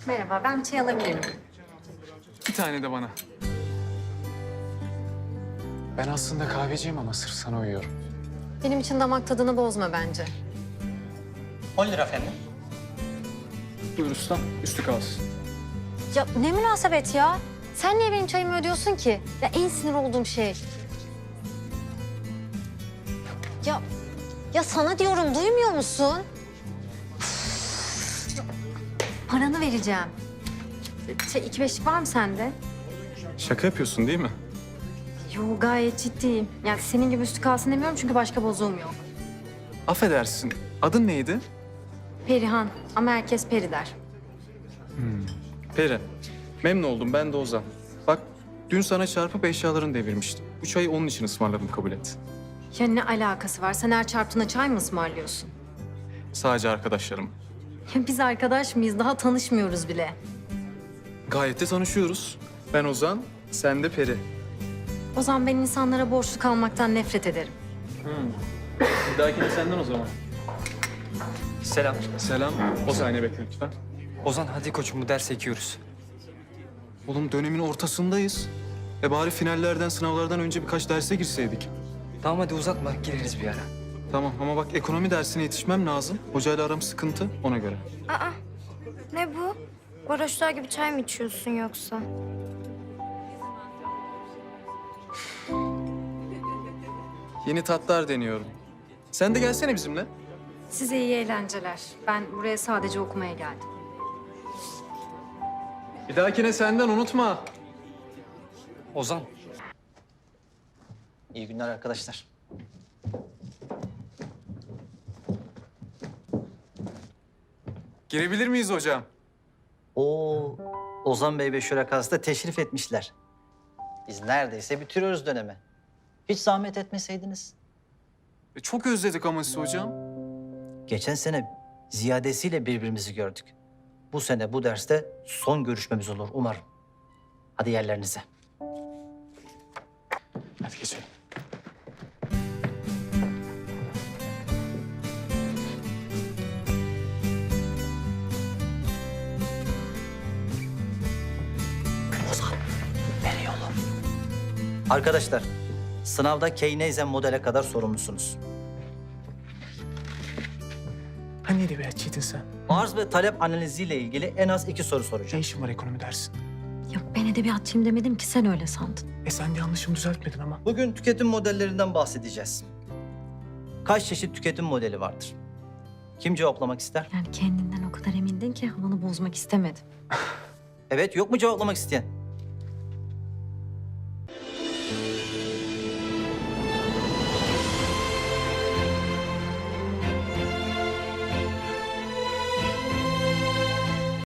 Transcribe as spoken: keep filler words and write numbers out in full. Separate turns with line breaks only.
Merhaba, ben bir çay alabilirim.
Bir tane de bana.
Ben aslında kahveciyim ama sırf sana uyuyorum.
Benim için damak tadını bozma bence.
on lira efendim.
Buyur ustam, üstü kalsın.
Ya ne münasebet ya? Sen niye benim çayımı ödüyorsun ki? Ya en sinir olduğum şey. Ya, ya sana diyorum, duymuyor musun? Üf, paranı vereceğim. Şey, iki beşlik var mı sende?
Şaka yapıyorsun değil mi?
Yo, gayet ciddiyim. Yani senin gibi üstü kalsın demiyorum çünkü başka bozuğum yok.
Affedersin. Adın neydi?
Perihan ama herkes Peri der.
Peri. Memnun oldum. Ben de Ozan. Bak, dün sana çarpıp eşyalarını devirmiştim. Bu çayı onun için ısmarladım, kabul et.
Ya ne alakası var? Sen her çarptığına çay mı ısmarlıyorsun?
Sadece arkadaşlarım.
Ya biz arkadaş mıyız? Daha tanışmıyoruz bile.
Gayet de tanışıyoruz. Ben Ozan, sen de Peri.
O zaman ben insanlara borçlu kalmaktan nefret ederim.
Bir dahakine senden o zaman.
Selam.
Selam. O saniye bekle lütfen.
Ozan hadi koçum bu derse ekiyoruz.
Oğlum dönemin ortasındayız. E bari finallerden, sınavlardan önce birkaç derse girseydik.
Tamam hadi uzatma gireriz bir ara.
Tamam ama bak ekonomi dersine yetişmem lazım. Hocayla aram sıkıntı, ona göre.
Aa, ne bu? Varoşlar gibi çay mı içiyorsun yoksa?
Yeni tatlar deniyorum. Sen de gelsene bizimle.
Size iyi eğlenceler. Ben buraya sadece okumaya geldim.
Bir dahakine senden unutma.
Ozan. İyi günler arkadaşlar.
Girebilir miyiz hocam?
Oo, Ozan Bey ve Şurakası da teşrif etmişler. Biz neredeyse bitiriyoruz dönemi. Hiç zahmet etmeseydiniz.
E, çok özledik ama sizi hocam.
Geçen sene ziyadesiyle birbirimizi gördük. Bu sene bu derste son görüşmemiz olur umarım. Hadi yerlerinize.
Hadi geçelim.
Arkadaşlar, sınavda Keynezen modele kadar sorumlusunuz.
Hani edebiyatçıydın sen?
Arz ve talep analiziyle ilgili en az iki soru
Ne
soracağım.
işin var ekonomi dersin?
Ya ben edebiyatçıyım demedim ki, sen öyle sandın.
E sen de yanlışımı düzeltmedin ama.
Bugün tüketim modellerinden bahsedeceğiz. Kaç çeşit tüketim modeli vardır? Kim cevaplamak ister?
Yani kendinden o kadar emindin ki havanı bozmak istemedim.
Evet, yok mu cevaplamak isteyen?